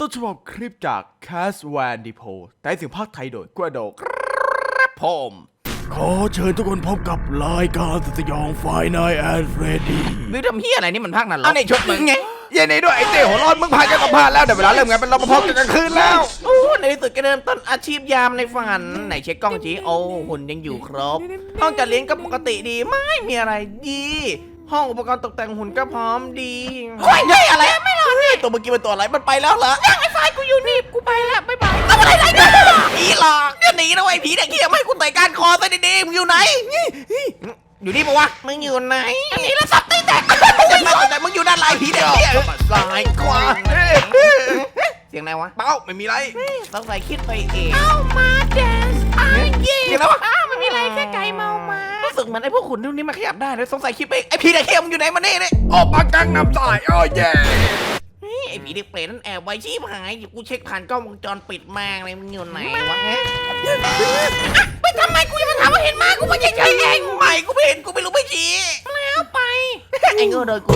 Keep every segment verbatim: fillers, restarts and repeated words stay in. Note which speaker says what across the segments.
Speaker 1: ต้นฉบับคลิปจาก Cast Van Depot แต่เสียงภาคไทยโดยกระโดกครับผมขอเชิญทุกคนพบกับรายการสยองไฟนายแอนเฟรดดี้
Speaker 2: มึงทำเฮียอะไรนี่มันภาคนั้นหรอ
Speaker 1: เอาในชุดมึงไงเย็นนี้ด้วยไอ้เต้หัวร้อนมึงผ่านการสัมภาษณ์แล้วเดี๋ยวเวลาเริ่มงานเป็นรปภกันกลางคืนแล้ว
Speaker 2: โอ้ในที่สุดก็เริ่มต้นอาชีพยามในฝันไหนเช็คกล้องจีโอ้หุ่นยังอยู่ครบ ห้องจัดเลี้ยงก็ปกติดีไม่มีอะไรดี ห้องอุปกรณ์ตกแต่งหุ่นก็พร้อมดีโอ้ยเฮ้ยอะไรไม่รอดนี่ตัวเมื่อกี้เป็นตัวอะไรมันไปแล้วเหรอยังไอ้ไฟกูอยู่นี่กูไปแล้วบ๊ายบายทำอะไรไรเนี่ยผีหลอกจะหนีนะไอ้ผีเด็กเหี้ยไม่ให้กูเตะก้านคอซะดีๆมึงอยู่ไหนอยู่นี่ปะวะมึงอยู่ไหนอันนี้แล้วสับตีแตกจะมาแต่มึงอยู่ด้านหลังผีเด็กเหี้ยซ้ายขวาเสียงไหนวะ
Speaker 1: เป้าไม่มีไร
Speaker 2: ต้องใส่คิดไปเองเอามาแดนส์ไอ้เย่แล้ววะอ้าวไม่มีอะไรแค่ไก่เมามารู้สึกเหมือนไอ้พวกขุนพวกนี้มาขยับได้เลยสงสัยคิดไปไอ้ผีเด็กเหี้ยมึงอยู่ไหนมาเนี่ยเนี่ย
Speaker 1: ออกมากังนำสายโอ้ยแย่
Speaker 2: ไอ้ผีเด็กเปรตนั่นแอบไว้ชีพหายกูเช็คผ่านกล้องวงจรปิดมากเลยมึงอยู่ไหนวะเฮ้ยไปทำไมกูยังมาถามว่าเห็นมากูไม่ใช่ใช่เองไม่กูไม่เห็นกูไม่รู้ไม่ชี้แล้วไปไอ้เงอโดยกู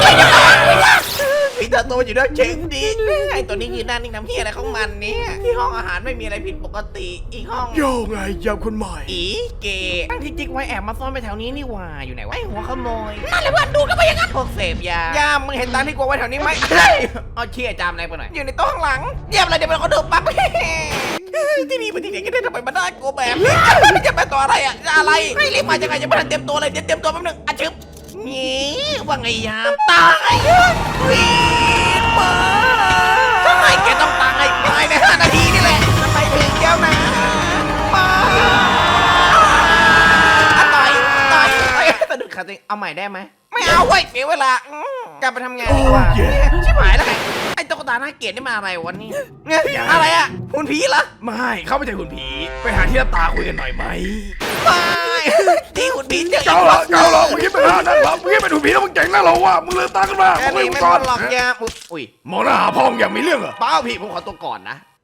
Speaker 2: ผีตาโตอยู่ด้วยเชิงดีไอ้ตัวนี้ยืนหน้านิ่งน้ำเฮียอะไรของมันเนี่ยที่ห้องอาหารไม่มีอะไรผิดปกติอีกห้อง
Speaker 1: โยไงยามคนใหม่
Speaker 2: อีเก๋ตั้งที่จิ๊กไว้แอบมาซ่อนไปแถวนี้นี่หว่าอยู่ไหนวะไอ้หัวขโมยนั่นแหละเพื่อนดูกันไปอย่างนั้นพวกเสพยายามมึงเห็นตังที่กูไว้แถวนี้ไหมเอาเชี่ยจามอะไรไปหน่อยอยู่ในโต๊ะข้างหลังเยี่ยมเลยเดี๋ยวมันเขาเดินปั๊บที่นี่มันที่ไหนกันได้ทำไมมาได้กูแบบนี้จะเป็นตัวอะไรอ่ะจะอะไรไม่รีบมาจะไงจะไม่ทันเตรียมตัวเลยเดี๋ยวเตรียมตัวแป๊บนึงอ่ะชึบนี่ว่าไงยามตายวีดมาทำไมแกต้องตายภายในห้านาทีนี่แหละทำไมถึงแก้วนะมาต่อยต่อยต่อยสะดุดขาตัวเองเอาใหม่ได้ไหมไม่เอาเว้ยเสียเวลากลับไปทำงานดีกว่าชิบหายแล้วไงไอ้ตุ๊กตาหน้าเกลียดนี่มาอะไรวันนี้อะไรอ่ะหุ่นผีเหรอ
Speaker 1: ไม่เขาไม่ใช่หุ่นผีไปหาที่หน้าตาคุยกันหน่อยไหม
Speaker 2: ไม่ที่หุ่นผีเจออี
Speaker 1: เจ้าก หรอเจ้าหรอมึงคิดเป็นหานั่นหรอมึงคิดเป็นหุ่นผีแล้วมึงเจ๋งนะหรอวะมึงลืมตาขึ้นมา
Speaker 2: แค่
Speaker 1: มึง
Speaker 2: นี้
Speaker 1: ลืม
Speaker 2: ไม่
Speaker 1: ก่
Speaker 2: พ
Speaker 1: อ
Speaker 2: อน หลอกยาอุ้ย
Speaker 1: มองหน้าหาพ่อมึงอย่างมีเรื่องเหรอ
Speaker 2: เป้าพี่ผมขอตัวก่อนนะ